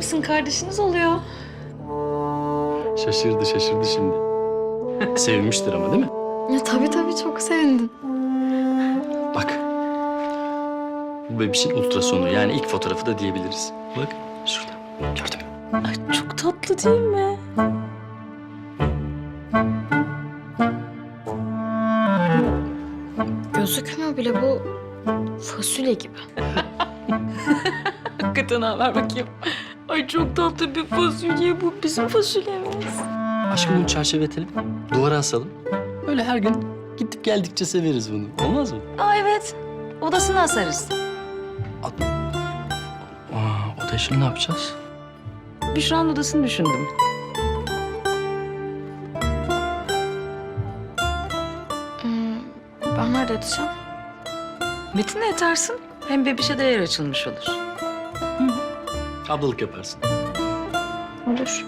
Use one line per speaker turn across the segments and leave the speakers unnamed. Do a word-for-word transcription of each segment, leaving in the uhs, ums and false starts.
Kesin kardeşiniz oluyor.
Şaşırdı, şaşırdı şimdi. Sevmiştir ama değil mi?
Ya tabii tabii çok sevindim.
Bak. Bu bebişin ultrasonu. Yani ilk fotoğrafı da diyebiliriz. Bak şurada. Gördün mü?
Ay çok tatlı değil mi? Gözükmüyor bile bu fasulye gibi. Hakikaten ha ver bakayım. Ay çok tatlı bir fasulye bu. Bizim fasulyemiz.
Aşkım bunu çerçeveletelim. Duvara asalım. Böyle her gün gidip geldikçe severiz bunu. Olmaz mı?
Aa evet. Odasına asarız.
Aa, o da şimdi ne yapacağız?
Büşra'nın odasını düşündüm. Hmm, ben nerede yatacağım? Metin'le yatarsın. Hem bebişe de yer açılmış olur.
Ablalık yaparsın.
Olur.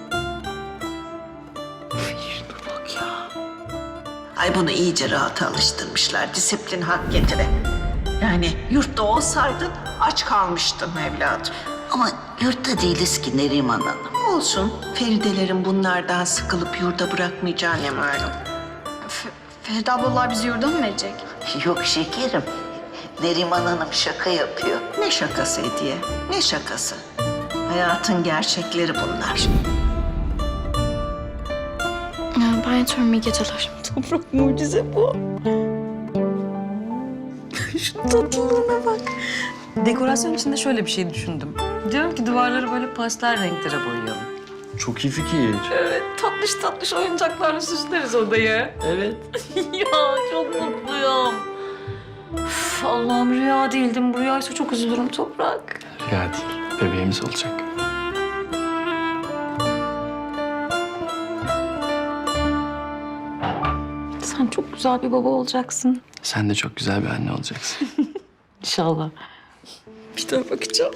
Ay bunu iyice rahata alıştırmışlar. Disiplin hak getire. Yani yurtta olsaydın aç kalmıştın evladım.
Ama yurtta değiliz ki Neriman Hanım.
Olsun. Feridelerin bunlardan sıkılıp yurda bırakmayacağını ne malum.
Feride ablalar bizi yurda mı verecek?
Yok şekerim. Neriman Hanım şaka yapıyor.
Ne şakası Hediye? Ne şakası? Hayatın gerçekleri bunlar.
Ya, ben yatıyorum, iyi geceler.
Toprak mucize bu. Şu tatlılığına bak. Dekorasyon için de şöyle bir şey düşündüm. Diyorum ki duvarları böyle pastel renklere boyayalım.
Çok iyi fikir.
Evet, tatlış tatlış oyuncaklarla süsleriz odayı.
Evet.
Ya çok mutluyum. Üf, Allah'ım rüya değildim. Bu rüyaysa çok üzülürüm Toprak.
Rüya değil. Bebeğimiz olacak.
Sen çok güzel bir baba olacaksın.
Sen de çok güzel bir anne olacaksın.
İnşallah. Bir daha bakacağım.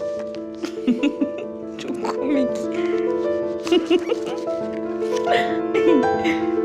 Çok komik.